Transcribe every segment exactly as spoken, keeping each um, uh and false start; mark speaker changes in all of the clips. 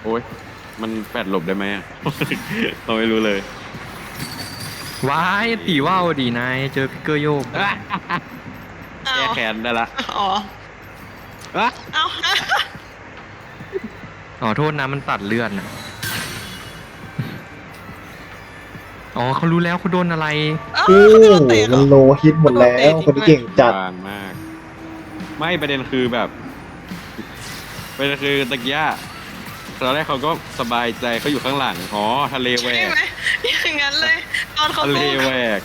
Speaker 1: โอ้ยมันแปดหลบได้ไหมอะเราไม่รู้เลย
Speaker 2: ว้ายตีว่าวดีนายเจอพิกเกอร์โยก
Speaker 3: เอา
Speaker 1: แก้แค้นได้ละ
Speaker 3: อ๋อ
Speaker 1: อะ
Speaker 3: เอา
Speaker 2: อ๋อโทษนะมันตัดเลือดนะอ๋อเขารู้แล้วเขาโดนอะไร
Speaker 3: เอ้า
Speaker 4: โอ้
Speaker 3: เขาโดนเตะเหร
Speaker 4: มั
Speaker 3: อน
Speaker 4: โลฮิตหมดแล้วคนที่เก่งจัด
Speaker 1: บางมาก ไม่ประเด็นคือแบบประเด็นคือตะกี้ตอนแรกเขาก็สบายใจเขาอยู่ข้างหลังอ๋อทะเลแหว
Speaker 3: ใช่
Speaker 1: ก
Speaker 3: ไหมอย่างนั้นเลยตอนเขา
Speaker 1: ทะเล
Speaker 3: สู้
Speaker 1: แหวก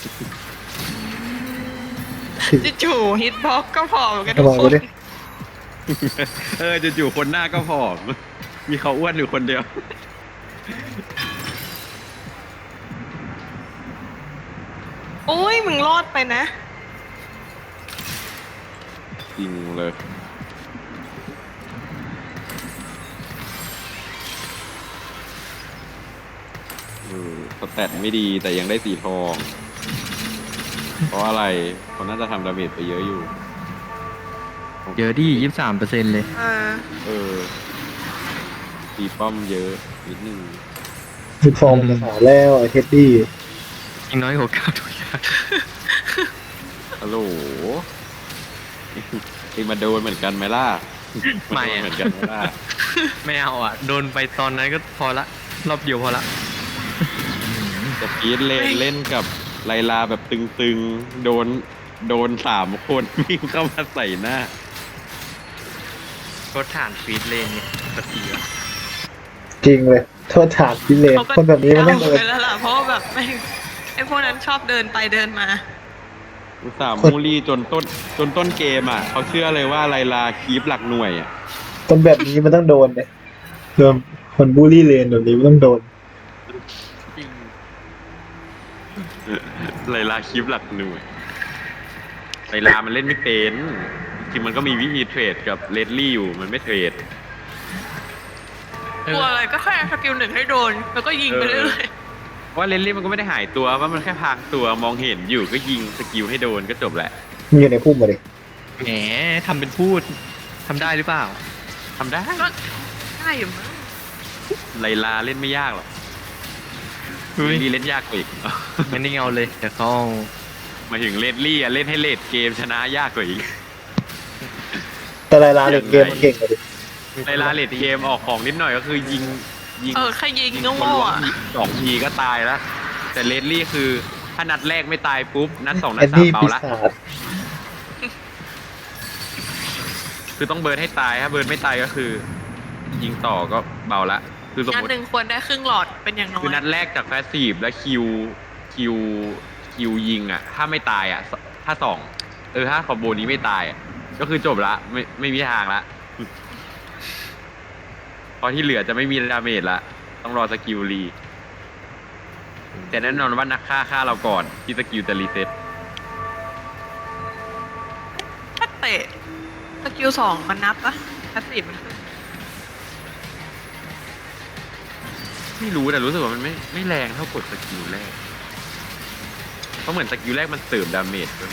Speaker 3: จู่ๆฮิตบ็อกก็พอเหมือนกัน
Speaker 4: ระ
Speaker 3: ทุก
Speaker 4: วัง
Speaker 3: ค
Speaker 4: ไว้
Speaker 3: น
Speaker 4: ดิ
Speaker 1: เออจู่ๆคนหน้าก็ผอมมีเขาอ้วนอยู่คนเดียว
Speaker 3: โอ้ยมึงรอดไปนะ
Speaker 1: จริงเลยเออสแตทไม่ดีแต่ยังได้สีทอง เพราะอะไรเขาน่าจะทำดาเมจไปเยอะอยู่
Speaker 2: เยอะดิยี่สิบสามเปอร์เซ็นต์เลย
Speaker 3: เออ
Speaker 1: เออตีป้อมเยอะนิดนึง
Speaker 4: สิบฟองจะหาแล้วไอ้เท็ดดี้
Speaker 2: ยิงน้อยกว่าเก้าทุกอย่าง
Speaker 1: ฮัลโหลเองมาโดนเหมือนกันไหมล่ะ
Speaker 2: ไม่
Speaker 1: นโดน
Speaker 2: อะ
Speaker 1: เหมือนกันไหมล่ะ
Speaker 2: ไม่เอาอ่ะ โดนไปตอนนั้นก็พอละ รอบเดียวพอละ
Speaker 1: จะพีทเล่นเล่นกับไลลาแบบตึงๆ โดนโดนสามคนวิ่งเข้ามาใส่หน้า
Speaker 2: ก็ฐานฟีดเลนเนี่ยปกติอ่ะ
Speaker 4: จริงเลยโทษฐานพิเลน
Speaker 3: เขาก็
Speaker 4: คนแบบนี้มันต้อง
Speaker 3: เอา
Speaker 4: เดิน
Speaker 3: ไปแล้วล่ะเพราะว่าแบบไม่ไอพวกนั้นชอบเดินไปเดินมา
Speaker 1: อุตส่าห์มูลี่จนต้นจนต้นเกมอ่ะเขาเชื่อเลยว่าไลลาคีปหลักหน่วยอ่ะ
Speaker 4: คนแบบนี้มันต้องโดนเนี่ยโดนคนบูลลี่เลนแบบนี้มันต้องโดน
Speaker 1: ไลลาคีปหลักหน่วยไลลามันเล่นไม่เป็นจริงๆมันก็มีวิธีเทรดกับเลดลี่อยู่มันไม่เทรด
Speaker 2: เอก
Speaker 3: ลัว
Speaker 2: อ
Speaker 3: อะไรก็แค่สกิลหนึ่งให้โดน แล้วก็ยิงไปเรื่อย
Speaker 1: เพราะว่าเลดลี่มันก็ไม่ได้หายตัวว่ามันแค่พรางตัวมองเห็นอยู่ก็ยิงสกิลให้โดนก็จบแหละ
Speaker 4: มีอยู่ในพุ่มมาดิ
Speaker 2: แหมทำเป็นพูดทำได้หรือเปล่า
Speaker 1: ทำได้
Speaker 3: ๆก็ได้อยู่มั้ง
Speaker 1: ไลลาเล่นไม่ยากหรอก
Speaker 2: เฮ้ย
Speaker 1: เลดลี่เล่นยากกว่าอีก
Speaker 2: งั้นนี่เอาเลยเดี๋ยวเขาเอา
Speaker 1: หมายถึงเลดลี่อะเล่นให้เลดเกมชนะยากกว่าอีก
Speaker 4: แต่ลายลาเล่นเกมมันเก่งกว่าดิ
Speaker 1: ไลลาเลดเกมออกของนิดหน่อยก็คือยิงยิง
Speaker 3: เออแค่ยิง
Speaker 1: ยิง
Speaker 3: ก็
Speaker 1: คน
Speaker 3: โง่
Speaker 1: ล้วง
Speaker 3: อะ
Speaker 1: ทีสองทีก็ตายแล้ว แต่เลดลี่คือถ้านัดแรกไม่ตายปุ๊บ นัดสองนั
Speaker 4: แอ
Speaker 1: ด
Speaker 4: น
Speaker 1: สาม
Speaker 4: ดี้
Speaker 1: เบา
Speaker 4: ปี
Speaker 1: ละ
Speaker 4: ศาจ
Speaker 1: คือต้องเบิร์นให้ตายถ้าเบิร์นไม่ตายก็คือ ยิงต่อก็เบาละคือสม
Speaker 3: นัด
Speaker 1: มติ
Speaker 3: หนึ่งควรได้ครึ่งหลอดเป็นอย่างน้อย
Speaker 1: คือนัดแรกจากแฟสซีฟแล้วคิวคิวคิวยิงอ่ะ ถ้าไม่ตายอ่ะสถ้าสองเออถ้าคอมโบนี้ไม่ตายอ่ะก็คือจบละไม่ไม่มีทางละพอที่เหลือจะไม่มีดาเมจละต้องรอสกิลรีแต่แน่นอนว่านักฆ่าฆ่าเราก่อนที่สกิลจะรีเซ็ต
Speaker 3: ถ้าเตะสกิลสองมันนับปะพาสซีฟมันขึ้น
Speaker 1: ไม่รู้แต่รู้สึกว่ามันไม่ไม่แรงเท่ากดสกิลแรกเพราะเหมือนสกิลแรกมันเติมดาเมจด้วย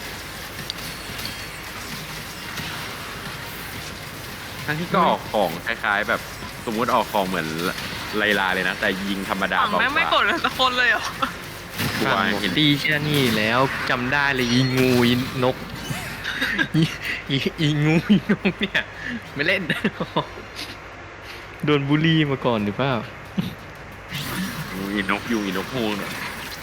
Speaker 1: ทั้งที่ก็ออกของคล้ายๆ แบบสมมุติออกของเหมือนไลลาเลยนะ แต่ยิงธรรมดา
Speaker 3: ฝั่ง
Speaker 1: เบา
Speaker 3: แม่งไม่
Speaker 1: ก
Speaker 3: ก
Speaker 1: ว่า
Speaker 3: ดเลยสักคนเลยเหรอ
Speaker 1: กลัว
Speaker 2: ฟังหมด
Speaker 1: เห็น
Speaker 2: ตีแค่นี้แล้วจำได้เลยอีงูอีนก อีอีอีงูอีนกเนี่ย ไม่เล่น โดนบูลลี่มาก่อนหรือเปล่า
Speaker 1: อีนกยูงอีนกฮูงเนี่ย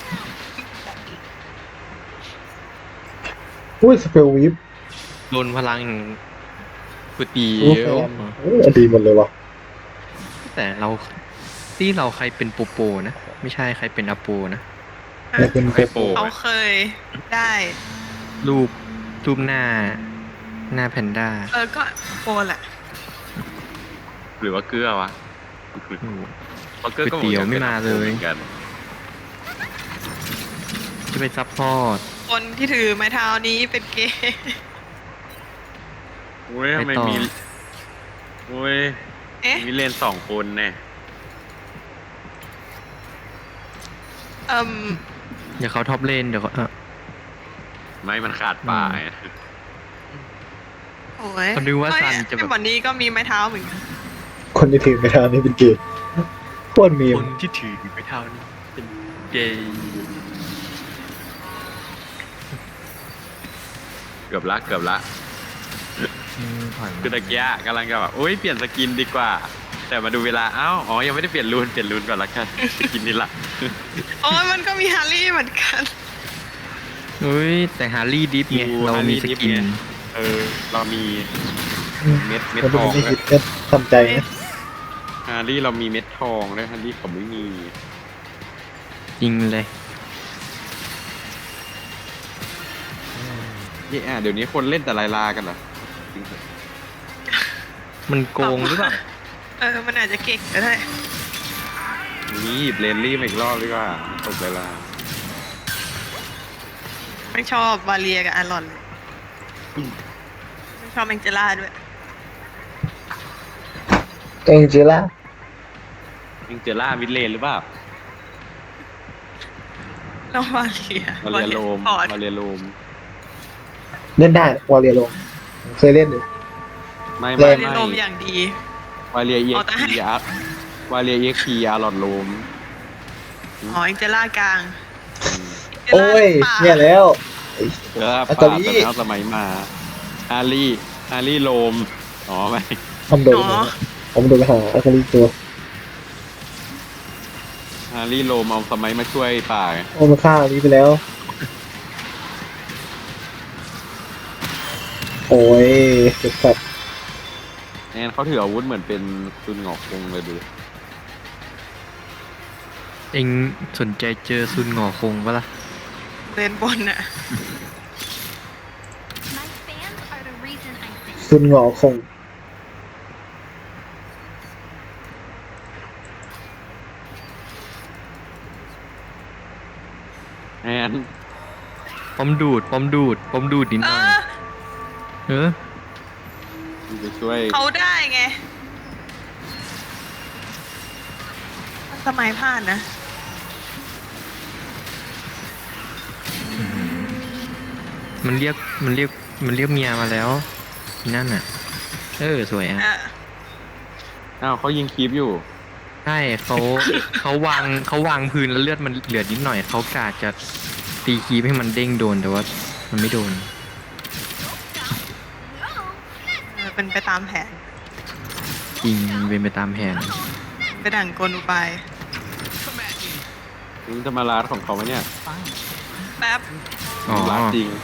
Speaker 4: อุ้ยสเปลวิฟ
Speaker 2: โดนพลังก๋วยเตี๋
Speaker 4: ลูก
Speaker 2: ย
Speaker 4: แฟ
Speaker 2: วน
Speaker 4: โอ้ยดีหมดเลยวะ
Speaker 2: แต่เราที่เราใครเป็นโปโปนะ ไม่ใช่ใครเป็นอโปนะ
Speaker 4: แต่เป็น
Speaker 1: ไอโป
Speaker 3: เขาเคยได้
Speaker 2: รูปรูปหน้า หน้าแพนด้า
Speaker 3: เออก็โกนแหละ
Speaker 1: หรือว่าเกลือวะ
Speaker 2: อืม
Speaker 1: เพราะเกลือก็
Speaker 2: ก๋วยเตี๋ยวไม่มาเลย
Speaker 1: หมือนกัน
Speaker 2: จะไปซับพอร์ต
Speaker 3: คนที่ถือไม้เท้านี้เป็นเกย์
Speaker 1: โอ้ยทำไม
Speaker 2: ไปต่อ
Speaker 1: มีโอ้ย
Speaker 3: เอ๊ะ
Speaker 1: มีเลนสองคนแน่
Speaker 3: เอ่ม
Speaker 2: เดี๋ยวเขาท็อปเลนเดี๋ยวเขาเออ
Speaker 1: ไม่มันขาดป่าไง
Speaker 3: โอ้ย
Speaker 2: เขาดูว่า
Speaker 3: เอ้ย
Speaker 2: ซันจะแบบ
Speaker 3: ไอ้วันนี้ก็มีไม้เท้าเหมือนกัน
Speaker 4: คนคนที่ถือไม่เท่านี้เป็นเกย์โคตรมี
Speaker 2: ค
Speaker 4: ม
Speaker 2: นที่ถือไปเท่านี้เป็นเกย์
Speaker 1: เกือบละเกือบละ
Speaker 2: อืมผ่าน
Speaker 1: คือตะเกียกำลังจะแบบโอ้ยเปลี่ยนสกินดีกว่า แต่มาดูเวลาเอ้าอ๋อยังไม่ได้เปลี่ยนรูนเปลี่ยนรูนก่อนละกันสกินนี่ละ
Speaker 3: โอ้ยมันก็มีฮาร์รี่เหมือนกัน
Speaker 2: เฮ้ยแต่ฮาร์รี่ดิฟไง
Speaker 1: ดู
Speaker 2: เรามี
Speaker 1: Harley
Speaker 2: ส
Speaker 1: Dip
Speaker 2: กิน
Speaker 1: ไง เออ เรามีเม็ดเม็ด
Speaker 4: มัน
Speaker 1: ท
Speaker 4: เป็น
Speaker 1: อง
Speaker 4: ไม่
Speaker 1: ด้ว
Speaker 4: คิ
Speaker 1: ย
Speaker 4: ดก็ทำใจนะ
Speaker 1: ฮาร์รี่เรามีเม็ดทองด้วยฮาร์รี่เขาไม่มี
Speaker 2: จริงเลย
Speaker 1: นี่อ่ะเดี๋ยวนี้คนเล่นแต่ลายลากันเหรอจริงเหรอ
Speaker 2: มันโกงหรือเปล่า
Speaker 3: เออ มันอาจจะเก่งก็ได้
Speaker 1: นี่หยิบเลนลี่มาอีกรอบดีกว่าตกเวลา
Speaker 3: ไม่ชอบบาเลียกับอารอนเลยไม่ชอบแองเจล่าด้วย
Speaker 4: เองเจล่า
Speaker 1: ยังเจอล่ามิดเลนหรือเปล่า
Speaker 3: แล้วบาเลีย
Speaker 1: มาเรียโลม
Speaker 3: พอร์ต
Speaker 1: มาเรียโลม
Speaker 4: เล่นได้วอลเลย์ลงเคยเล่นอยู่
Speaker 1: ไม่
Speaker 4: เล่
Speaker 1: ไม่
Speaker 4: น
Speaker 3: เรียน
Speaker 1: ไม่
Speaker 3: ลมอย่างดี
Speaker 1: วาเรียเอ็
Speaker 3: อ๋
Speaker 1: ก
Speaker 3: อแต่
Speaker 1: พีอาร์วาเรียเอ็กพีอาร์หลอดโลม
Speaker 3: อ๋อแองเจล่ากลาง
Speaker 1: อืม
Speaker 3: แองเจล่า
Speaker 4: โอ้ย
Speaker 3: ป่า
Speaker 4: เนี่ยแล้ว
Speaker 1: เออ
Speaker 4: อั
Speaker 1: ป้า
Speaker 4: ต
Speaker 1: แต่
Speaker 4: ลี
Speaker 1: แล้วสมัยมาฮาร์รี่ฮาร์รี่โลมอ๋อไม่
Speaker 4: ทำโดนนะผมโดนไปหาอาคาลีตัว
Speaker 1: ฮาร์รี่โลมเอาสมัยมาช่วยป่าไง
Speaker 4: โอ้มาฆ่าอันนี้ไปแล้ว โอ้ยเจ็บสัตว์
Speaker 1: แอนเขาถืออาวุธเหมือนเป็นซุนหงอกคงเลยดู
Speaker 2: เองสนใจเจอซุนหงอคงปะล่ะ
Speaker 3: เล่นบนน่ะ
Speaker 5: My fans are the reason I sing.
Speaker 4: ซุนหงอคง
Speaker 1: แอน
Speaker 2: ปอมดูดปอมดูดปอมดูดนิดห
Speaker 3: เอ
Speaker 2: น่อย
Speaker 3: อ
Speaker 2: เออ
Speaker 1: ไปช่วย
Speaker 3: เขาได้ไงมันสมัยผ่านนะ
Speaker 2: มันเรียกมันเรียกมันเรียกเมียมาแล้วอีนั่นอ่ะ เออสวยอ่ะ
Speaker 3: อ่ะ
Speaker 1: อ้าวเขายิงคีบอยู่
Speaker 2: ใช่เขาเขาวางเขาวางพื้นแล้วเลือดมันเหลือนิดหน่อยเขากาจะตีคีบให้มันเด้งโดนแต่ว่ามันไม่โดน
Speaker 3: เออเป็นไปตามแผน
Speaker 2: จริงเป็นไปตามแผน
Speaker 3: ไปดั่งกลอุบาย
Speaker 1: นี่จะมาลาดของเขาไหมเนี่ย
Speaker 3: แป๊บ
Speaker 2: อ๋อ
Speaker 1: ลาดจริง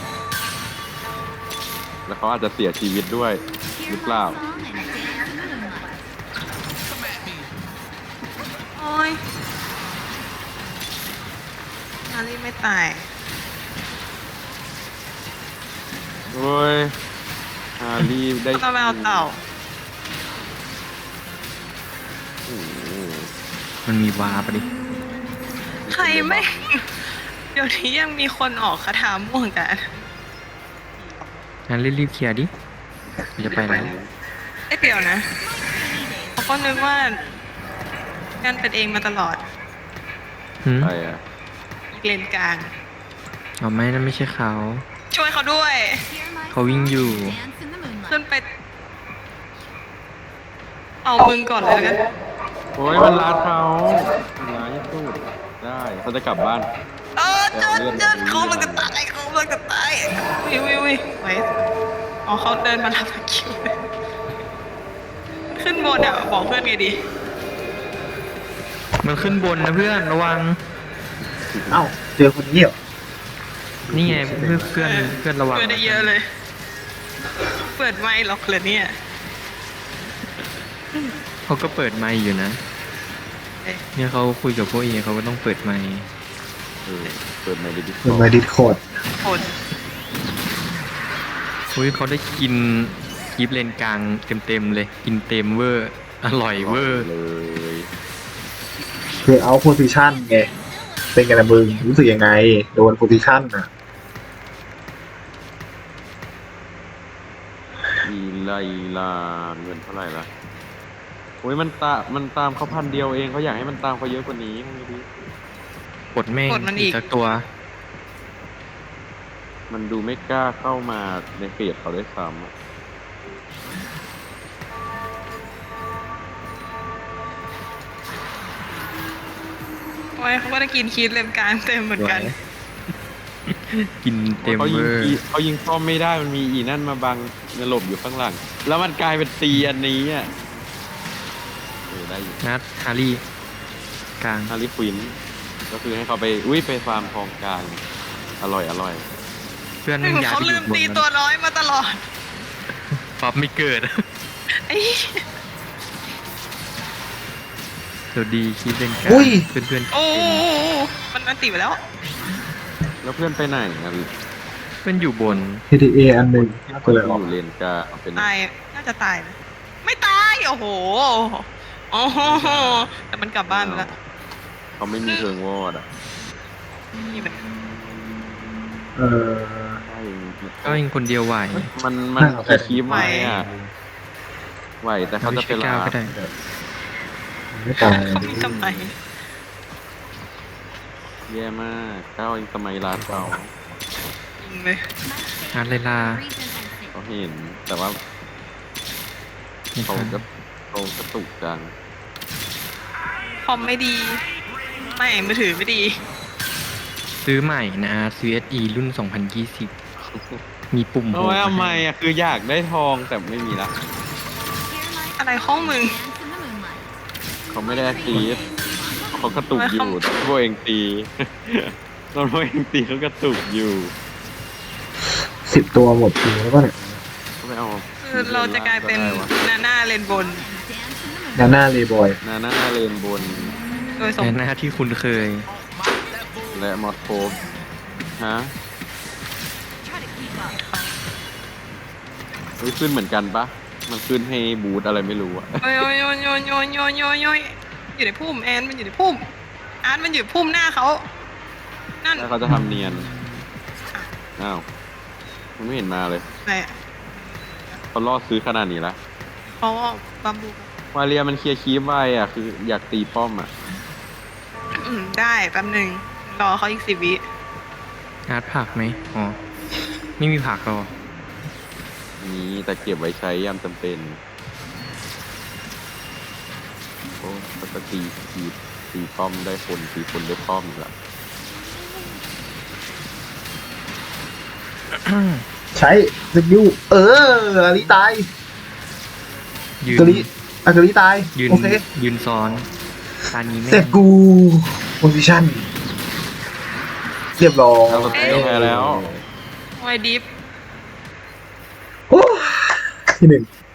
Speaker 1: แล้วเขาอาจจะเสียชีวิตด้วย หรือเปล่า
Speaker 3: โอ้ยฮารี่ไม่ตาย
Speaker 1: โอ้ยฮาร์รี่ได้
Speaker 3: ต้องไปเอาเต่า
Speaker 1: โอ้โห
Speaker 2: มันมีวาปะดิ
Speaker 3: ใครไม่ เดี๋ยวนี้ยังมีคนออกคาถาม่วงกัน
Speaker 2: งั้นรีบๆเคลียร์ดิมันจะไปแล้ว
Speaker 3: เอ้ยเดี๋ยวนะเขาก็นึกว่ากันเป็นเองมาตลอด
Speaker 2: หืม
Speaker 1: ใครอ่ะ
Speaker 3: อีกเลนกลาง
Speaker 2: เอาไม่นั่นไม่ใช่เขา
Speaker 3: ช่วยเขาด้วย
Speaker 2: เขาวิ่งอยู่
Speaker 5: Dance in the moonlight.
Speaker 3: ขึ้นไป เอามึงก่อนเลยแล้วกัน
Speaker 1: โอ้ยมันลาดเขามันร้ายที่สุดได้เขาจะกลับบ้าน
Speaker 3: เออเจนเจนเขามันก็ตายเขามันก็ตายวิววิววิวไว้อ๋อเขาเดินมารับคิวเลยขึ้นบนอ่ะบอกเพื่อนไงดี
Speaker 2: มันขึ้นบนนะเพื่อนระวัง
Speaker 4: เอ้าเจอคนนี้เหรอ
Speaker 2: นี่ไงเพื่อนเพื่อนเพื่อนระวัง
Speaker 3: เพื่อนได้เยอะเลย เปิดไมค์หรอกเลยเนี่ย
Speaker 2: เขาก็เปิดไมค์อยู่นะ
Speaker 3: เอ๊ะ
Speaker 2: เนี่ยเขาคุยกับพวกเอเขาก็ต้องเปิดไมค์
Speaker 1: เออเปิดในดิส
Speaker 4: เหมือนมาดิสโคด
Speaker 3: คน
Speaker 2: อุ้ยเขาได้กินกีบเลนกลางเต็มๆเลย กินเต็มเวอร์ อร่อยเวอร์
Speaker 1: เลย
Speaker 4: คือเอาโพซิชันไง เป็นไงนะมึง รู้สึกยังไง โดนโพซิชันอ่ะ
Speaker 1: อีไลลาเงินเท่าไหร่ละโอ้ยมันตามันตามเขาพันเดียวเองเขาอยากให้มันตามเขาเยอะกว่านี้ทำไงดี
Speaker 2: กดแม่ง
Speaker 3: กดมันอีก
Speaker 2: สักตัว
Speaker 1: มันดูไม่กล้าเข้ามาในเฟสเขาได้วยซ้ำอะ
Speaker 3: โอ้ยเขาก็ได้กินคีดเลมกลางเต็มเหมือนกัน
Speaker 2: กินเต็ม
Speaker 1: เขา
Speaker 2: เว
Speaker 1: ยิง
Speaker 2: อร์
Speaker 1: อีเขายิงซ่อมไม่ได้มันมีอีนั่นมาบังเนี่ยหลบอยู่ข้างหลัง แล้วมันกลายเป็นตีอันนี้อ่ะเออได้อยู่
Speaker 2: นัดฮารี่กลาง
Speaker 1: ฮาริควินก็คือให้เขาไปอุ้ยไปฟาร์มทองกลางอร่อยอร่อย
Speaker 2: เพื่อนมันย้าย
Speaker 3: เขา
Speaker 2: ไปอ
Speaker 3: ลื
Speaker 2: ยู่
Speaker 3: ม
Speaker 2: บน
Speaker 3: ตี
Speaker 2: มัน
Speaker 3: ตัวน้อยมาตลอด
Speaker 2: ป๊อปไม่เกิด
Speaker 3: ไอ้
Speaker 2: สวัสดีคิดเป็นกลาง
Speaker 4: อุ้ย
Speaker 2: เพื่อนเพื่อน
Speaker 3: โอ้มันมันตีไปแล้ว
Speaker 1: แล้วเพื่อนไปไหนอ่ะ
Speaker 2: เพื่อนอยู่บน
Speaker 4: เอ ที เอ อันหนึ่ง
Speaker 1: ค
Speaker 4: ก็
Speaker 1: น
Speaker 4: เลย
Speaker 1: ที่
Speaker 4: อ
Speaker 1: อ
Speaker 4: อก
Speaker 1: ยู่เลนกลางเป็น
Speaker 3: ตาย น่าจะตายนะ ไม่ตาย โอ้โห โอ้โห แต่มันกลับบ้านไปแล้ว
Speaker 1: เขาไม่มีเทิงวอดอ่ะ
Speaker 3: นี่มัน
Speaker 4: เออ
Speaker 1: ใช่
Speaker 2: ก็ยิงคนเดียวไหว
Speaker 1: มันมันแค่คีบไหวอ่ะไหวแต่เขาจะ
Speaker 2: ช่
Speaker 1: เป็
Speaker 2: วย
Speaker 1: น
Speaker 2: ก้าว
Speaker 1: ลา
Speaker 2: ก็ได้
Speaker 4: ไม่ตาย
Speaker 3: เขามีทำไม
Speaker 1: แย่มากก้าวเองสมัยร้านเขา
Speaker 3: จริงเลย
Speaker 5: My
Speaker 2: อาร์
Speaker 5: fans
Speaker 2: เลลา
Speaker 5: are the reason I sing.
Speaker 1: เขาเห็น แต่ว่า
Speaker 2: ไม่
Speaker 1: เขา
Speaker 2: ทัน
Speaker 1: ก็เขากระตุกจัง
Speaker 3: คอมไม่ดี ไม่มือถือไม่ดี
Speaker 2: ซื้อใหม่นะ ซี เอส อี รุ่น สองพันยี่สิบ มีปุ่มโห
Speaker 1: โอ้ย
Speaker 2: มา
Speaker 1: ทำไม
Speaker 2: ให้
Speaker 1: อ่ะคืออยากได้ทองแต่ไม่มีละ
Speaker 5: Hear my
Speaker 3: อะไรข้องมึง
Speaker 5: dance in the moonlight.
Speaker 1: เขาไม่ได้ตีดเขากระตุกอยู่ตอนพวกเองตีตอนพวกเองตีเขากระตุกอยู่
Speaker 4: สิบตัวหมดทีแล้วก็เนี่ย
Speaker 1: เขาไม่เอา
Speaker 3: คือเราจะกลายเป็นนาน่าเลนบน
Speaker 5: Dance in the
Speaker 4: นา
Speaker 5: moonlight.
Speaker 4: น่าเลย์บอย
Speaker 1: นาหน้าเลนบน
Speaker 3: โดยสม
Speaker 2: ในหน้าที่คุณเคย
Speaker 1: และมอสโคฟฮะ
Speaker 5: Try to keep up.
Speaker 1: เฮ้ยขึ้นเหมือนกันปะมันขึ้นให้บูทอะไรไม่รู้อะ
Speaker 3: โยโยโยโยโยโยโยโยอยู่ในพุ่มแอนมันอยู่ในพุ่มอาร์ตมันอยู่พุ่มหน้าเขานั่น
Speaker 1: แล้วเขาจะทำเนียนอ้าวมันไม่เห็นมาเลย
Speaker 3: อะไรอะ
Speaker 1: เขาล่อซื้อขนาดนี้ละ
Speaker 3: อ๋อบัมบู
Speaker 1: วาเลียมันเคลียร์คีบไว้อ่ะคืออยากตีป้อมอ่ะ
Speaker 3: อืมได้แป๊บหนึ่งรอเขาอีกสิบวิ
Speaker 2: อาร์ตผักไหมอ๋อ ไม่มีผักหรอ
Speaker 1: มีแต่เก็บไว้ใช้ยามจำเป็นโอ้ปกติตีตีป้อมได้คนตีคนได้ป้อมอีกละ
Speaker 4: ใช้สกิลเอออาริตาย
Speaker 2: ยืน
Speaker 4: อาริอาริตาย
Speaker 2: ยืน
Speaker 4: โอเค
Speaker 2: ยืนซ้อนตานี้แม่
Speaker 4: แต่
Speaker 2: ง
Speaker 4: กูโพซิชั่นเรียบร้อย
Speaker 1: เราแพ้แล้ว
Speaker 3: ไวดิฟ
Speaker 4: โอ้ที่หนึ่ง